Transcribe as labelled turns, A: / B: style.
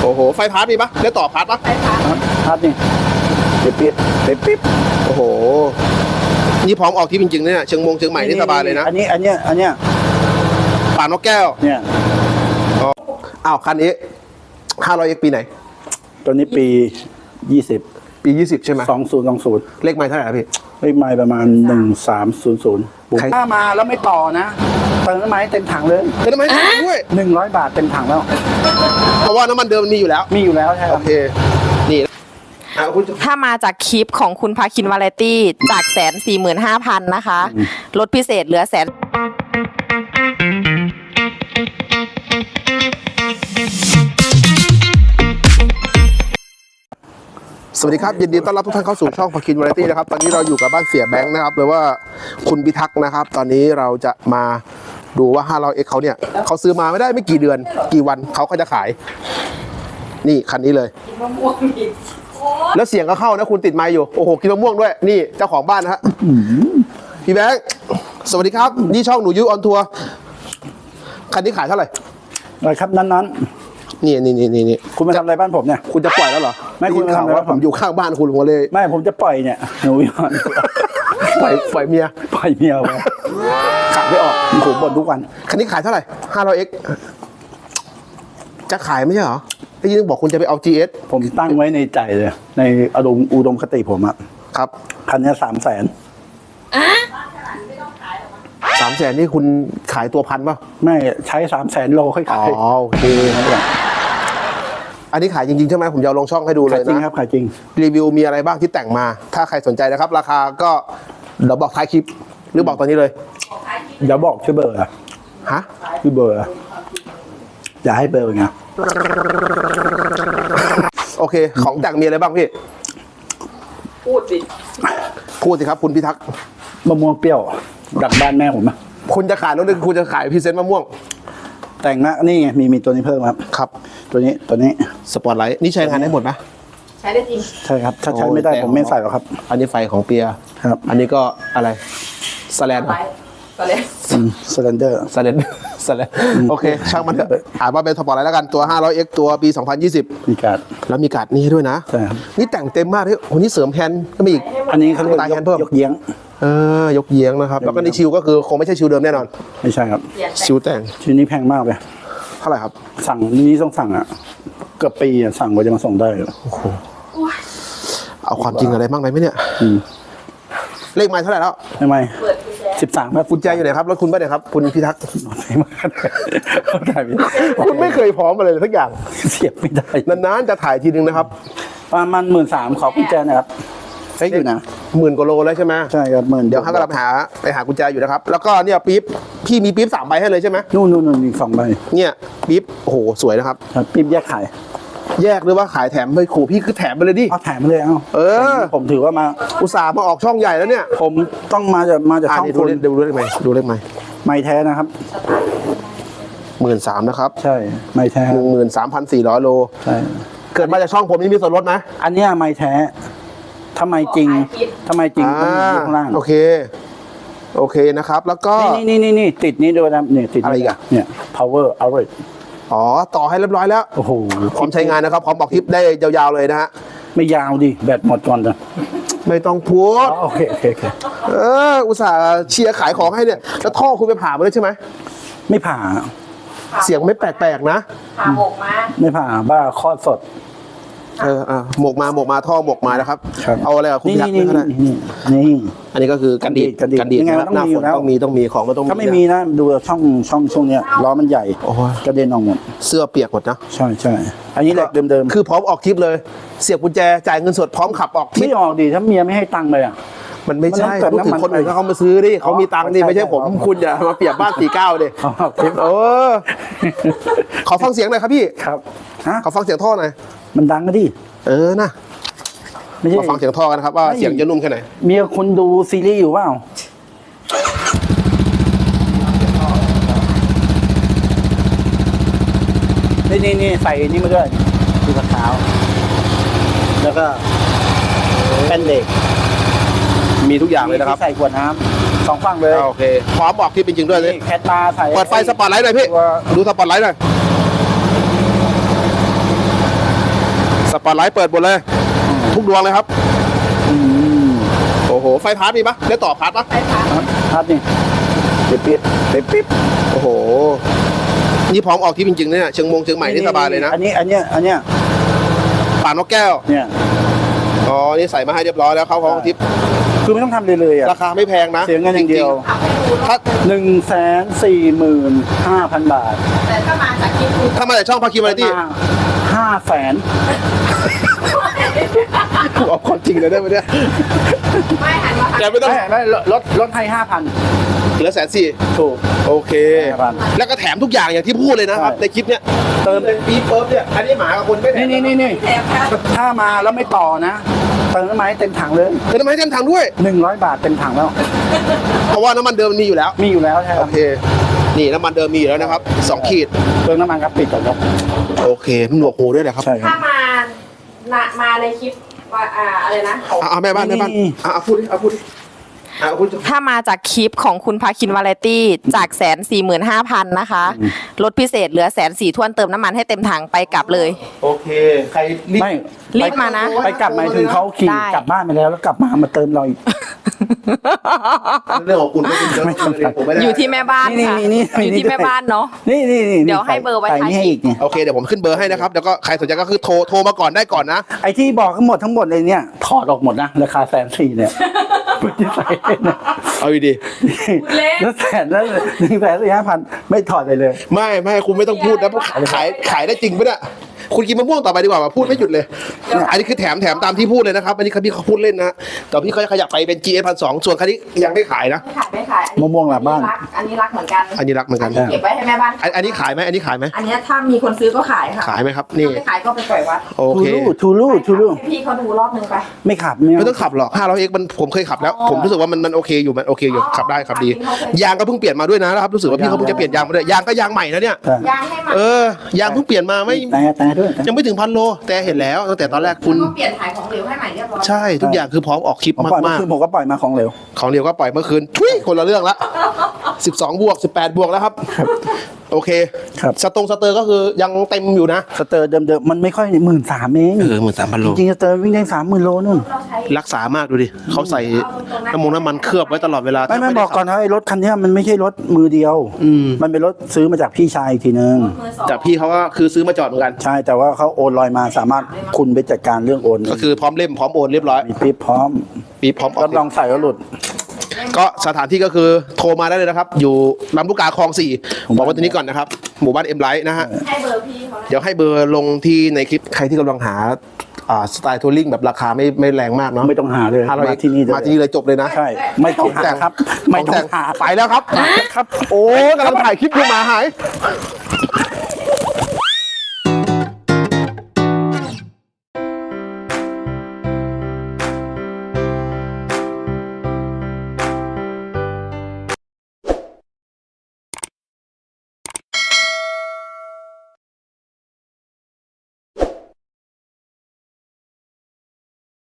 A: โอ้โหไฟพาร์ทมีปะได้ต่อพาร์ทปะ
B: ไฟฟ้า
C: พาร์ทนี่ปิ๊บ
A: โอ้โหนี่พร้อมออกที่จริงๆเนี่ยเชียงใหม่นี่สบายเลยนะ
C: อันเนี้ย
A: ป่านกแก้ว
C: เนี่ย
A: อ้าวคันนี้ 500X ปีไหน
C: ตัวนี้ปี 20
A: ปี 20 ใช่ไหม
C: 2020
A: เลขไม้เท่าไหร่ครับพี่
C: เลขไมล์ประมาณ 1300
A: ใคร
C: ถ้ามาแล้วไม่ต่อนะเติมน้ำมันให้เต็มถังเลย
A: เติมน้ำมันด้วย
C: 100 บาทเต็มถังแล้ว
A: เพราะว่าน้ำมันเดิมมันมีอยู่แล้ว
C: มีอยู่แล้วใช่ค
A: โอ
C: รับ
A: เคนี่คุณ
B: ถ้ามาจากคลิปของคุณพาคินวาไรตี้จาก145,000นะคะลดพิเศษเหลือ100,000
A: สวัสดีครับยินดีต้อนรับทุกท่านเข้าสู่ช่องพาคินวาไรตี้นะครับตอนนี้เราอยู่กับบ้านเสียแบงค์นะครับหรือว่าคุณพิทักษ์นะครับตอนนี้เราจะมาดูว่า 500X เขาเนี่ยเขาซื้อมาไม่ได้ไม่กี่เดือนกี่วันเขาก็จะขายนี่คันนี้เลยแล้วเสียงก็เข้านะคุณติดไมค์อยู่โอ้โหกินมะม่วงด้วยนี่เจ้าของบ้านนะฮะพี่แบงค์สวัสดีครับนี่ช่องหนูยุ้ยออนทัวร์คันนี้ขายเท่าไหร่
C: อะไรครับนั้น
A: นี่
C: ๆคุณมาทำอะไรบ้านผมเนี่ย
A: คุณจะปล่อยแล้วเหรอ
C: ไม่คุณ
A: ด้ยินข่าว
C: ทำอะไร
A: ว่าผมอยู่ข้างบ้านคุณผมเลย
C: ไม่ผมจะปล่อยเนี่ยหนูย้อน
A: ปล่อยเมีย
C: ปล่อยเมียไว้
A: ขายไม่ออก
C: ผมบ่นทุกวัน
A: คันนี้ขายเท่าไหร่ 500X จะขายไม่ใช่เหรอได้ยินบอกคุณจะไปเอา GS
C: ผมตั้งไว้ในใจเลย ในอุดมคติผมอะ
A: ครับ
C: คันนี้300,000
A: 300,000นี่คุณขายตัวพันป่ะ
C: ไม่ใช้300,000 โลค่อย
A: อ๋อ
C: ขาย
A: โอเคอันนี้ขายจริงๆใช่ไหมผมจะเอาลงช่องให้ดูเล
C: ขาย
A: ย
C: จริง
A: นะครับ
C: ขายจริง
A: รีวิวมีอะไรบ้างที่แต่งมา ถ้าใครสนใจนะครับ ราคาก็เดี๋ยวบอกท้ายคลิป หรือบอกตอนนี้เลย
C: อย่าบอกชื่อเบอร์อะ
A: ฮะ
C: ชื่อเบอร์อะอย่าให้เบอร์ไง
A: โอเค ของแต่งมีอะไรบ้างพี่ พูดสิครับคุณพิทักษ์
C: มะม่วงเปรี้ยวดักบ้านแม่ผมอะ
A: คุณจะขายรถหรือคุณจะขายพรีเซนต์มะม่วง
C: แต่งนะนี่ไงมีตัวนี้เพิ่มครับ
A: ครับ
C: ตัวนี้
A: สปอร์ตไลท์นี่ใช้งานได้หมดไหม
B: ใช้ได้จริง
C: ใช่ครับ ถ้าใช้ไม่ได้
A: โอ้ย
C: ผมไม่ใส่หรอกครับ
A: อันนี้ไฟของเปีย
C: ครับ
A: อันนี้ก็อะไรสแลน
B: ก็เลย
C: สแลนเดอร์
A: สแลนสแลนโอเค ช่างมันเถอะอ่านว่าเป็นสปอร์ตไลท์แล้วกันตัว 500X ตัวปี 2020
C: มีการ์ด
A: แล้วมีการ์ดนี้ให้ด้วยนะ
C: ใช่ครับ
A: นี่แต่งเต็มมากเลยโอ้โหนี่เสริมแฮนด์ก็มีอีก
C: อันนี้เขาเรียก
A: ตายแฮนด์เพิ่ม
C: ยกเยี้ยง
A: ยกเยียงนะครับ แล้วก็นี่ชิวก็คือคงไม่ใช่ชิวเดิมแน่นอน
C: ไม่ใช่ครับ
A: ชิวแต่ง
C: ชิ้นนี้แพงมากเลย
A: เท่าไหร่ครับ
C: สั่งนี่ต้องสั่งอ่ะเกือบปีอ่ะสั่งกว่าจะมาส่งได้
A: โอ้โหเอาความจริงอะไรบ้างไหมเนี่ย เลขไม้เท่าไหร่แล้ว
C: ทำไม13ครับ
A: กุญแจอยู่ไหนครับรถคุณป่ะเนี่ยครับคุณพิทักษ์
C: ไม่มากได้ไหม
A: คุณไม่เคยพร้อมอะไรเลยสักอย่าง
C: เสียบไม่ได้
A: นานๆจะถ่ายทีนึงนะครับ
C: ประมาณ13,000ขอกุญแจหนะครับเฮ้ยอยู่นะ
A: 10,000 กว่าโลแล้วใช่ไหม
C: ใช่ครับ10,000
A: เดี๋ยวข้างกำลังไปหากุญแจอยู่นะครับ แล้วก็เนี่ยปี๊บพี่มีปี๊บ3 ใบให้เลยใช่ไหม
C: นู่นอีก2ใบ
A: เนี่ยปี๊บโอ้โหสวยนะครับ
C: ครับปิ๊บแยกขาย
A: แยกหรือว่าขายแถมไปขู่พี่คือแถมไปเลยดิ
C: เอาแถมมาเลยเอา
A: เออ
C: ผมถือว่ามา
A: อุตส่าห์มาออกช่องใหญ่แล้วเนี่ย
C: ผมต้องมาจากช่อง
A: นี่
C: คุณ
A: ดูเลขไหมดูเลขไหม
C: ไม่แท้นะครับ
A: 13,000นะครับ
C: ใช่ไม่แท้
A: 13,400 โล
C: ใช่
A: เกิดมาจากช่องผมนี่มีส่วนลดไหม
C: อันเนี้ยไม่แท้ทำไมจริงต้องอยู่ข้างล่าง
A: โอเคนะครับ แล้วก็
C: นี่ติดนี้ด้วยนะเนี่ยติด
A: อะไรอีกอะ
C: เนี่ย power outlet
A: อ๋อต่อให้เรียบร้อยแล้ว
C: โอ้โห
A: พร้อมใช้งานนะครับพร้อมบอกคลิปได้ยาวๆเลยนะฮะ
C: ไม่ยาวดิแบตหมดก่อนจ้ะ
A: ไม่ต้องพูด
C: โอเค
A: อุตส่าห์เชียร์ขายของให้เนี่ยแล้วท่อคุณไปผ่ามาเลยใช่ไหม
C: ไม่ผ่า
A: เสียงไม่แปลกๆนะ
B: ผ่าหมกมา
C: ไม่ผ่าบ้าคลอดสด
A: หมกมาท่อหมกมานะครับ
C: ครับ
A: เอาอะไรกับคุณ
C: นี่
A: พิทักษ์นี่ อันนี้ก็คือกันดีด
C: กันดีดยังไง
A: นะครับ
C: มัน
A: หน้า
C: ต้องมี
A: ฝ
C: อยู่
A: น
C: แล้ว
A: ต้องมีของมันต้องมี
C: ถ้าไม่มีนะดูช่องเนี้ยล้อมันใหญ่
A: โอ้โห
C: กระเด็นออกหมด
A: เสื้อเปียกหมดนะ
C: ใช่อันนี้แหละเดิม
A: คือพร้อมออกทริปเลย เสียบกุญแจจ่ายเงินสดพร้อมขับออกทริ
C: ไม่
A: ป
C: ออกดิถ้าเมียไม่ให้ตังค์เลยอ่ะ
A: มันไม่ใช่
C: มันต้องเติม
A: พูดถึง
C: น้ำมัน
A: คนอื่นเขามาซื้อดิเขามีตังค์ดิ
C: ใช่
A: ไม่ใช่ผม
C: ใช่
A: คุณอย่ามาเปรียบบ้าน49ดิ
C: เอาออกทริป
A: ขอฟังเสียงหน่อยครับพี่
C: ครับฮะ
A: ขอฟังเสียงท่อหน่อย
C: มันดังก็ดิ
A: นะ
C: ไม่ใช่
A: มาฟังเสียงท่อกันนะครับว่าเสียงจะนุ่มแค่ไหน
C: เมียคุณดูซีรีส์อยู่เปล่านี่ใส่นี่มาด้วยดูกระเท้าแล้วก็แป้นเด็ก
A: มีทุกอย่างเลยนะครับ
C: ที่ใส่ขวดน้ำ2ฝั่งเลย
A: โอเคพร้อมออกทริปจริงๆด้วยเลย
C: นี่แคทมาใส่
A: เปิดไฟสปอตไลท์หน่อยพี่
C: ตัว
A: ดูสปอตไลท์หน่อยปอตไลท์เปิดหมดเลย ทุกดวงเลยครับ โอ้โห ไฟพาร์ทมีปะได้ต่อพาร์ทปะ
C: ครับนี่ปิ๊บ
A: โอ้โห นี่พร้อมออกทริปจริงๆเนี่ยเชียงใหม่นี่สบายเลยนะ
C: อันนี้
A: ป่านกแก้ว
C: เนี่ย
A: อ๋อ นี่ใส่มาให้เรียบร้อยแล้วเขาพร้อมออกทริป
C: คือไม่ต้องทำเลยอ่ะ
A: ราคาไม่แพงนะ
C: เสียเงินอย่างเดียว
A: ถ้า
C: 145,000 บาท
B: แต่ถ้ามาจากคลิปคุณ
A: ถ้ามาจากช่องพาคิววาไรตี้
C: 500,000
A: กูเอาความจริงเลยได้ไหมเนี่ย
B: ไม่หันมา
A: แกไม่ต้อง
C: ไม่ลดให้ 5,000
A: เหลือ140,000
C: ถูก
A: โอเค
C: 5,000
A: แล้วก็แถมทุกอย่างอย่างที่พูดเลยนะครับ
C: ใช่
A: ในคลิปเนี้ยเติมเป็นปี๊บเปิบเนี่ย อันนี้หมากับคนไม่แถม
C: นี่
B: แถมค่ะ
C: ถ้ามาแล้วไม่ต่อนะเติมน้ำมันให้เต็มถังเลย
A: เติมน้ำมันให้เต็มถังด้วย
C: 100 บาทเต็มถังแล้ว
A: เพราะว่าน้ำมันเดิมมันมีอยู่แล้ว
C: มีอยู่แล้วใช่ค
A: โอ
C: รับ
A: เค นี่น้ำมันเดิมมีอยู่แล้วนะครับ2 ขีด
C: เติมน้ำมันครับปิดก่อนครับ
A: โอเคมันหนวกหูด้วยแหละครับ
C: ใช่ครั
B: ถ้า
C: บ
B: มาในคลิปว่าอะไรนะ
A: เอาแม่บ้าน
C: นี่
A: เอาพูดดิเอาพูดดิเอาพูดดิ
B: ถ้ามาจากคลิปของคุณพาคินวาไรตี้จาก145,000นะคะลดพิเศษเหลือ140,000ทวนเติมน้ำมันให้เต็มถังไปกลับเลย
A: โอเค ใครรีบ
C: ไม่
B: รีบมานะ
C: ไปกลับหมายถึงเขาขี่
B: ได้
C: กลับบ้านไปแล้วกลับมาเติมเราอีก
A: เรื่องของคุณไม่เป็นเรื่องของผมไม่ได้
B: อยู่ที่แม่บ้านค่ะ
C: นี่
B: อยู่ที่แม่บ้านเนาะ
C: นี่
B: เดี๋ยวให้เบอร์ไว้
C: ใส่
B: ท้าย
C: นี่ให้
B: คลิป
C: อีกเนี่ย
A: โอเคเดี๋ยวผมขึ้นเบอร์ให้นะครับแล้วก็ใครสนใจก็คือโทรมาก่อนได้ก่อนนะ
C: ไอ้ที่บอกทั้งหมดเลยเนี่ยถอดออกหมดนะราคา140,000เนี่ยที่ใส่เนี่ย
A: เอาดี
C: แล้ว145,000ไม่ถอดเลย
A: ไม่คุณไม่ต้องพูดนะขายได้จริงปะเนี่ยคุณกินมะม่วงต่อไปดีกว่าพูดไม่หยุดเลย อันนี้คือแถมตามที่พูดเลยนะครับอันนี้พี่เขาพูดเล่นนะแต่พี่เขาจะขยับไปเป็น GS 1,200ส่วนคันนี้ยังไม่ขายนะ
B: ไม่ขาย
C: มะม่วงหลังบ้าน
B: อันนี้รักเหมือนกัน
A: อันนี้รักเหมือนกัน
B: เก็บไว้ให้แม่บ้าน
A: อันนี้ขายไหมอันนี้ขายไหม
B: อันนี้ถ้ามีคนซื้อก็ขายค่ะ
A: ขายไหมครับนี่
B: ถ้าไม่ขายก็ไปปล่อยวัด
A: โอเค
C: ทูลู
B: ให้พี่เขาดูรอบนึงไป
C: ไม่ขับ
A: ไม่ต้องขับหรอก 500X มันผมเคยขับแล้ว ผมรู้สึกว่ามันโอเคอยู่ขับได้ขับดียางก็เพิ่งเปลี่ยนมาด้วยนะครับรู้สึกว่าพี่เขาเพิ่งจะเปลี่ยนยางมาด้วยยางก็ยางใหม่นะเนี่ย
B: ยางให้มา
A: ยางเพิ่งเปลี่ยนมาไม่
C: แต่ด้วย
A: ยังไม่ถึง1,000 โลแต่เห็นแล้วตั้งแต่ตอนแรกคุณ
B: แล้วก็เปลี่ยนถ่ายของเหลวให้ใหม่เรียบร้อย
A: ใช่ทุกอย่างคือพร้อมออกคลิป
C: ผมปล่อยเมื่อ
A: มาก
C: คืนผมก็ปล่อยมาของเหลว
A: ๆของเดียวก็ปล่อยเมื่อคืนทุยคนละเรื่องละ12 บวก 18 บวกแล้วครับโอเค
C: ครับ
A: สเตอร์ก็คือยังเต็มอยู่นะ
C: สเตอร์เดิมๆมันไม่ค่อย13,000เอง
A: 13,000 โล
C: จริงๆสเตอร์วิ่งได้30,000 โลนู่น
B: เราใช้
A: รักษามากดูดิเขาใส่น้ำมันเคลือบไว้ตลอดเวลา
C: ไม่บอกก่อนนะไอ้รถคันเนี้ยมันไม่ใช่รถมือเดียว มันเป็นรถซื้อมาจากพี่ชายอีกทีนึง
B: มือสอง
A: แต่พี่เขาก็คือซื้อมาจอดเหมือนกัน
C: ใช่แต่ว่าเขาโอนลอยมาสามารถคุณไปจัดการเรื่องโอน
A: ก็คือพร้อมเล่มพร้อมโอนเรียบร้อย
C: มีปิ๊บพร้อม
A: ปีพร้อมออ
C: รั
A: ก
C: บรองใส่แล้วหลุด
A: ก็สถานที่ก็คือโทรมาได้เลยนะครับ อยู่ลำลูกกาคลอง 4บอกว่าตัวนี้ก่อนนะครับ หมู่บ้านเอ็มไลท์นะฮะ
B: ให้เบอร์พี่เขานะ
A: เดี๋ยวให้เบอร์ลงที่ในคลิปใครที่กำลังหาสไตล์ทัวริงแบบราคาไม่แรงมากเนาะ
C: ไม่ต้องหาเลย
A: 500
C: มาที่นี่
A: มาที่นี่เลยจบเลยนะ
C: ใช่ไม่ต้องหาครับไม่ต้องหา
A: ไปแล้วครับ
C: ครับ
A: โอ้กำลังถ่ายคลิปอยู่หมาหาย